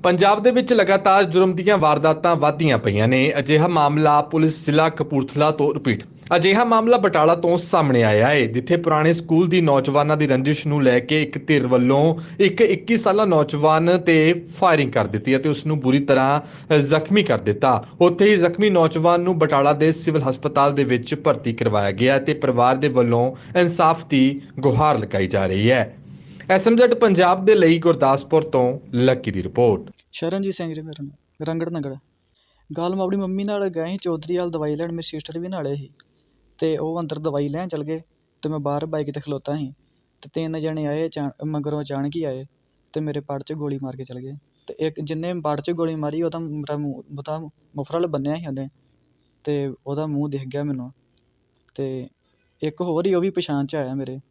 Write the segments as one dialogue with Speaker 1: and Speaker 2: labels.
Speaker 1: ਪੰਜਾਬ ਦੇ ਵਿੱਚ ਲਗਾਤਾਰ ਜੁਰਮ ਦੀਆਂ ਵਾਰਦਾਤਾਂ ਵਧਦੀਆਂ ਪਈਆਂ ਨੇ। ਅਜਿਹਾ ਮਾਮਲਾ ਪੁਲਿਸ ਜ਼ਿਲ੍ਹਾ ਕਪੂਰਥਲਾ ਤੋਂ ਰਿਪੀਟ ਅਜਿਹਾ ਮਾਮਲਾ ਬਟਾਲਾ ਤੋਂ ਸਾਹਮਣੇ ਆਇਆ ਹੈ, ਜਿੱਥੇ ਪੁਰਾਣੇ ਸਕੂਲ ਦੀ ਨੌਜਵਾਨਾਂ ਦੀ ਰੰਜਿਸ਼ ਨੂੰ ਲੈ ਕੇ ਇੱਕ ਧਿਰ ਵੱਲੋਂ ਇੱਕ 21 ਸਾਲਾ ਨੌਜਵਾਨ ਤੇ ਫਾਇਰਿੰਗ ਕਰ ਦਿੱਤੀ ਅਤੇ ਉਸ ਨੂੰ ਬੁਰੀ ਤਰ੍ਹਾਂ ਜ਼ਖਮੀ ਕਰ ਦਿੱਤਾ। ਉੱਥੇ ਹੀ ਜ਼ਖਮੀ ਨੌਜਵਾਨ ਨੂੰ ਬਟਾਲਾ ਦੇ ਸਿਵਲ ਹਸਪਤਾਲ ਦੇ ਵਿੱਚ ਭਰਤੀ ਕਰਵਾਇਆ ਗਿਆ ਤੇ ਪਰਿਵਾਰ ਦੇ ਵੱਲੋਂ ਇਨਸਾਫ ਦੀ ਗੁਹਾਰ ਲਗਾਈ ਜਾ ਰਹੀ ਹੈ। ਐਸਐਮਜ਼ੈਡ ਪੰਜਾਬ ਦੇ ਲਈ ਗੁਰਦਾਸਪੁਰ ਤੋਂ ਲੱਕੀ ਦੀ ਰਿਪੋर्ट।
Speaker 2: शरणजीत सिंह जी मेरा नाम रंगड़ नगड़ गल मैं अपनी मम्मी नाल गए ही चौधरी वाल दवाई लैन, मेरी सिस्टर भी नाले ही ते ओह अंदर दवाई लैन चल गए ते मैं बाहर बाइक ते खलोता ही ते 3 जने आए मगरों अचानक ही आए ते मेरे पड़ च गोली मार के चल गए ते एक जिन्ने पड़ च गोली मारी ओहदा मेरा मूँह मुफरल बन्निया ही उन्हें ते ओहदा मूँह दिख गया मैनू ते एक होर ही ओह भी पछाण च आया मेरे।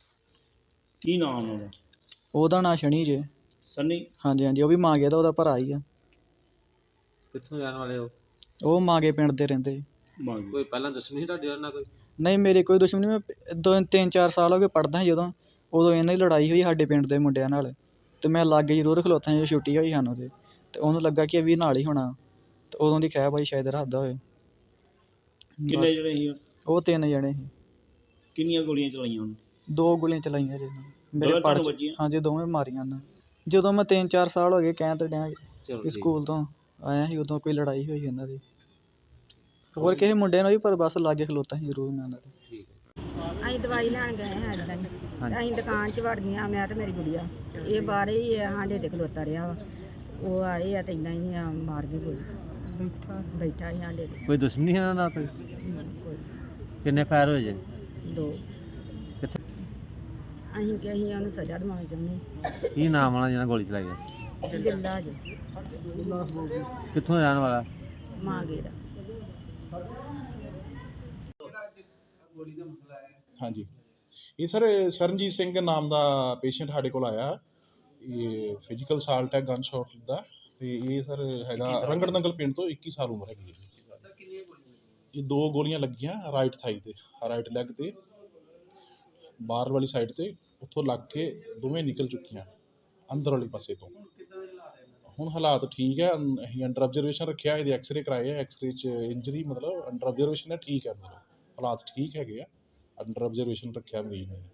Speaker 3: की नाम है
Speaker 2: ओहदा नाम शनी जे
Speaker 3: सन्नी?
Speaker 2: हाँ जी हाँ जी, वह भी मांगे दा ओहदा भरा ही है।
Speaker 4: कित्थों जाने वाले हो?
Speaker 2: ਉਹ ਮਾਂਗੇ ਪਿੰਡ ਦੇ ਰਹਿੰਦੇ।
Speaker 4: कोई पहला दुश्मनी ਤੁਹਾਡੀ ਨਾਲ ਕੋਈ?
Speaker 2: ਨਹੀਂ ਮੇਰੀ ਕੋਈ ਦੁਸ਼ਮਣੀ, ਮੈਂ 3-4 ਸਾਲ ਹੋ ਗਏ ਪੜ੍ਹਦਾ ਜਦੋਂ, ਉਦੋਂ ਇਹਨਾਂ ਦੀ ਲੜਾਈ ਹੋਈ ਸਾਡੇ ਪਿੰਡ ਦੇ ਮੁੰਡਿਆਂ ਨਾਲ ਤੇ ਮੈਂ ਲਾਗੇ ਜ਼ਰੂਰ ਖਲੋਤਾ ਜਦੋਂ ਛੁੱਟੀ ਹੋਈ ਸਾਨੂੰ ਤੇ ਉਹਨੂੰ ਲੱਗਾ ਕਿ ਇਹ ਵੀ ਨਾਲ ਹੀ ਹੋਣਾ ਤੇ ਉਦੋਂ ਦੀ ਖਹਿ ਬਾਈ ਸ਼ਾਇਦ ਰੱਖਦਾ ਹੋਏ।
Speaker 3: ਕਿੰਨੇ ਜਣੇ ਸੀ?
Speaker 2: ਉਹ 3 ਜਣੇ ਸੀ।
Speaker 3: ਕਿੰਨੀਆਂ ਗੋਲੀਆਂ ਚਲਾਈਆਂ ਉਹਨੇ?
Speaker 2: 2 ਗੋਲੀਆਂ ਚਲਾਈਆਂ ਜੀ ਮੇਰੇ
Speaker 3: ਦੋਵੇਂ
Speaker 2: ਪੜ
Speaker 3: ਤੁਹਾਨੂੰ
Speaker 2: ਚ।
Speaker 3: ਵੱਜੀਆਂ?
Speaker 2: ਹਾਂਜੀ ਦੋਵੇਂ ਮਾਰੀਆਂ ਉਹਨਾਂ। ਜਦੋਂ ਮੈਂ 3-4 ਸਾਲ ਹੋ ਗਏ ਕਹਿਣ ਤੇ ਡਿਆ ਕਿ ਸਕੂਲ ਤੋਂ ਆਇਆ ਸੀ ਉਦੋਂ ਕੋਈ ਲੜਾਈ ਹੋਈ ਇਹਨਾਂ ਦੀ ਹੋਰ ਕਿਸੇ ਮੁੰਡੇ ਨਾਲ ਵੀ, ਪਰ ਬਸ ਲਾਗੇ ਖਲੋਤਾ ਸੀ ਜ਼ਰੂਰ ਮੈਂ ਉਹਨਾਂ ਦੇ।
Speaker 5: ਅਸੀਂ ਦਵਾਈ ਲੈਣ ਗਏ ਹਾਂ ਇੱਦਾਂ ਹੀ ਅਸੀਂ ਦੁਕਾਨ 'ਚ ਵੜ ਗਈਆਂ, ਮੈਂ ਤੇ ਮੇਰੀ ਗੁੜੀਆ। ਇਹ ਬਾਹਰ ਹੀ ਸਾਡੇ ਤੇ ਖਲੋਤਾ ਰਿਹਾ ਵਾ। ਉਹ ਆਏ ਆ ਤੇ ਇੱਦਾਂ ਹੀ ਮਾਰ ਕੇ ਗੋਲੀ ਬੈਠਾ ਸੀ ਸਾਡੇ ਤੇ।
Speaker 4: ਕੋਈ ਦੁਸ਼ਮਣੀ ਹੈ ਨਾ ਕੋਈ?
Speaker 5: ਕੋਈ
Speaker 4: ਕਿੰਨੇ ਫਾਇਰ ਹੋਏ ਜੇ?
Speaker 5: 2
Speaker 4: ਕਿੱਥੇ?
Speaker 5: ਅਸੀਂ ਕਿ ਅਸੀਂ ਉਹਨੂੰ ਸਜ਼ਾ ਦਿਵਾਉਣੀ ਚਾਹੁੰਦੇ।
Speaker 4: ਕੀ ਨਾਮ ਵਾਲਾ ਜਿਹਨਾਂ ਗੋਲੀ ਚਲਾਈ ਹੈ?
Speaker 5: ਜਿੱਲਾ ਜੀ
Speaker 4: ਕਿੱਥੋਂ ਰਹਿਣ ਵਾਲਾ?
Speaker 5: ਮਾਂਗੇ ਦਾ।
Speaker 6: ਹਾਂਜੀ, ਇਹ ਸਰ ਸ਼ਰਨਜੀਤ ਸਿੰਘ ਨਾਮ ਦਾ ਪੇਸ਼ੈਂਟ ਸਾਡੇ ਕੋਲ ਆਇਆ। ਇਹ ਫਿਜ਼ੀਕਲ ਸਾਲਟ ਹੈ ਗਨ ਸ਼ਾਟ ਦਾ ਤੇ ਇਹ ਸਰ ਹੈਗਾ ਰੰਗੜ ਨੰਗਲ ਪਿੰਡ ਤੋਂ, 21 ਸਾਲ ਉਮਰ ਹੈਗੀ ਹੈ। ਇਹ 2 ਗੋਲੀਆਂ ਲੱਗੀਆਂ ਰਾਈਟ ਥਾਈ ਤੇ, ਰਾਈਟ ਲੈਗ ਤੇ, ਬਾਹਰ ਵਾਲੀ ਸਾਈਡ ਤੇ, ਉੱਥੋਂ ਲੱਗ ਕੇ ਦੋਵੇਂ ਨਿਕਲ ਚੁੱਕੀਆਂ ਅੰਦਰ ਵਾਲੇ ਪਾਸੇ ਤੋਂ। ਹੁਣ ਹਾਲਾਤ ਠੀਕ ਹੈ, ਅਸੀਂ ਅੰਡਰ ਆਬਜ਼ਰਵੇਸ਼ਨ ਰੱਖਿਆ। ਇਹਦੇ ਐਕਸਰੇ ਕਰਾਏ ਆ, ਐਕਸਰੇ 'ਚ ਇੰਜਰੀ ਮਤਲਬ ਅੰਡਰ ਆਬਜ਼ਰਵੇਸ਼ਨ ਹੈ, ਠੀਕ ਹੈ, ਮਤਲਬ ਹਾਲਾਤ ਠੀਕ ਹੈਗੇ ਆ, ਅੰਡਰ ਆਬਜ਼ਰਵੇਸ਼ਨ ਰੱਖਿਆ ਮਰੀਜ਼ ਨੇ।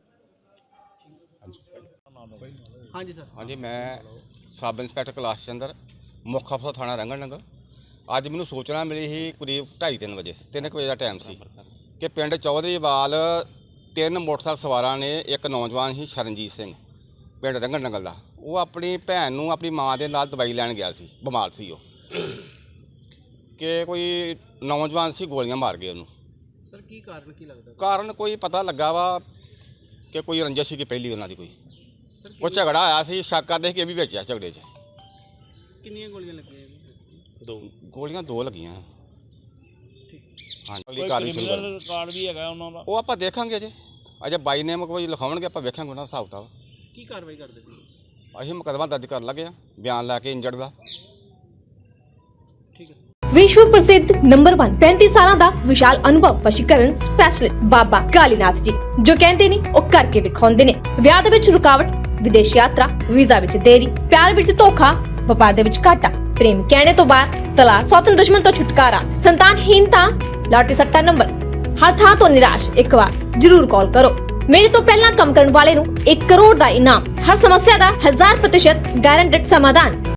Speaker 4: ਹਾਂਜੀ ਸਰ।
Speaker 7: ਹਾਂਜੀ, ਮੈਂ ਸਬ ਇੰਸਪੈਕਟਰ ਕੈਲਾਸ਼ ਚੰਦਰ, ਮੁੱਖ ਅਫਸਰ ਥਾਣਾ ਰੰਗੜ ਨੰਗਲ। ਅੱਜ ਮੈਨੂੰ ਸੂਚਨਾ ਮਿਲੀ ਸੀ ਕਰੀਬ 2:30-3 ਵਜੇ, 3 ਵਜੇ ਦਾ ਟਾਈਮ ਸੀ ਕਿ ਪਿੰਡ ਚੌਧਰੀਵਾਲ 3 ਮੋਟਰਸਾਈਕਲ ਸਵਾਰਾਂ ਨੇ ਇੱਕ ਨੌਜਵਾਨ ਸੀ ਸ਼ਰਨਜੀਤ ਸਿੰਘ ਪਿੰਡ ਰੰਗੜ ਨੰਗਲ ਦਾ, ਉਹ ਆਪਣੀ ਭੈਣ ਨੂੰ ਆਪਣੀ ਮਾਂ ਦੇ ਨਾਲ ਦਵਾਈ ਲੈਣ ਗਿਆ ਸੀ, ਬਿਮਾਰ ਸੀ ਉਹ, ਕਿ ਕੋਈ ਨੌਜਵਾਨ ਸੀ ਗੋਲੀਆਂ ਮਾਰ ਗਏ ਉਹਨੂੰ।
Speaker 4: ਸਰ ਕੀ ਕਾਰਨ ਕੀ ਲੱਗਦਾ?
Speaker 7: ਕਾਰਨ ਕੋਈ ਪਤਾ ਲੱਗਾ ਵਾ ਕਿ ਕੋਈ ਰੰਜਿਸ਼ ਸੀ ਕਿ ਪਹਿਲੀ ਉਹਨਾਂ ਦੀ ਕੋਈ ਝਗੜਾ ਆਇਆ ਸੀ, ਸ਼ੱਕ ਕਰਦੇ ਸੀ ਕਿ ਇਹ ਵੀ ਵਿੱਚ ਆ ਝਗੜੇ 'ਚ।
Speaker 4: ਕਿੰਨੀਆਂ ਗੋਲੀਆਂ ਲੱਗੀਆਂ?
Speaker 7: 2 ਗੋਲੀਆਂ 2 ਲੱਗੀਆਂ। ਹਾਂਜੀ,
Speaker 3: ਕੋਈ ਕ੍ਰਿਮੀਨਲ ਰਿਕਾਰਡ ਵੀ ਹੈਗਾ ਉਹਨਾਂ ਦਾ?
Speaker 7: ਉਹ ਆਪਾਂ ਦੇਖਾਂਗੇ ਅਜੇ ਬਾਈ ਨੇਮ ਕੋਈ ਲਿਖਾਉਣਗੇ, ਆਪਾਂ ਵੇਖਾਂਗੇ ਉਹਨਾਂ ਦਾ ਹਿਸਾਬ ਕਿਤਾਬ।
Speaker 4: ਕੀ ਕਾਰਵਾਈ ਕਰਦੇ ਸੀ?
Speaker 7: ਅਸੀਂ ਮੁਕੱਦਮਾ ਦਰਜ ਕਰਨ ਲੱਗੇ ਆ, ਬਿਆਨ ਲੈ ਕੇ ਇੰਜਰਡ ਦਾ।
Speaker 4: ਠੀਕ ਹੈ।
Speaker 8: विश्व प्रसिद्ध नंबर 1 35 ਸਾਲਾਂ ਦਾ ਵਿਸ਼ਾਲ ਅਨੁਭਵ ਵਸ਼ੀਕਰਨ ਸਪੈਸ਼ਲਿਸਟ ਬਾਬਾ ਕਾਲੀਨਾਥ ਜੀ, ਜੋ ਕਹਿੰਦੇ ਨੇ ਉਹ ਕਰਕੇ ਵਿਖਾਉਂਦੇ ਨੇ। ਵਿਆਹ ਦੇ ਵਿੱਚ ਰੁਕਾਵਟ, ਵਿਦੇਸ਼ ਯਾਤਰਾ, ਵੀਜ਼ਾ ਵਿੱਚ ਦੇਰੀ, ਪਿਆਰ ਵਿੱਚ ਧੋਖਾ, ਵਪਾਰ ਦੇ ਵਿੱਚ ਘਾਟਾ, ਪ੍ਰੇਮ ਕਹਿਣੇ ਤੋਂ ਬਾਅਦ ਤਲਾਕ, ਸੌਤਨ ਦੁਸ਼ਮਣ ਤੋਂ ਛੁਟਕਾਰਾ, ਸੰਤਾਨਹੀਨਤਾ, ਲਾਟਰੀ ਸੱਟਾ ਨੰਬਰ, ਹਰ ਥਾਂ ਤੋਂ ਨਿਰਾਸ਼। ਇੱਕ ਵਾਰ ਜ਼ਰੂਰ ਕਾਲ ਕਰੋ। ਮੇਰੇ ਤੋਂ ਪਹਿਲਾਂ ਕੰਮ ਕਰਨ ਵਾਲੇ ਨੂੰ 1 ਕਰੋੜ ਦਾ ਇਨਾਮ, ਹਰ ਸਮੱਸਿਆ ਦਾ 1000% ਗਾਰੰਟਡ ਸਮਾਧਾਨ।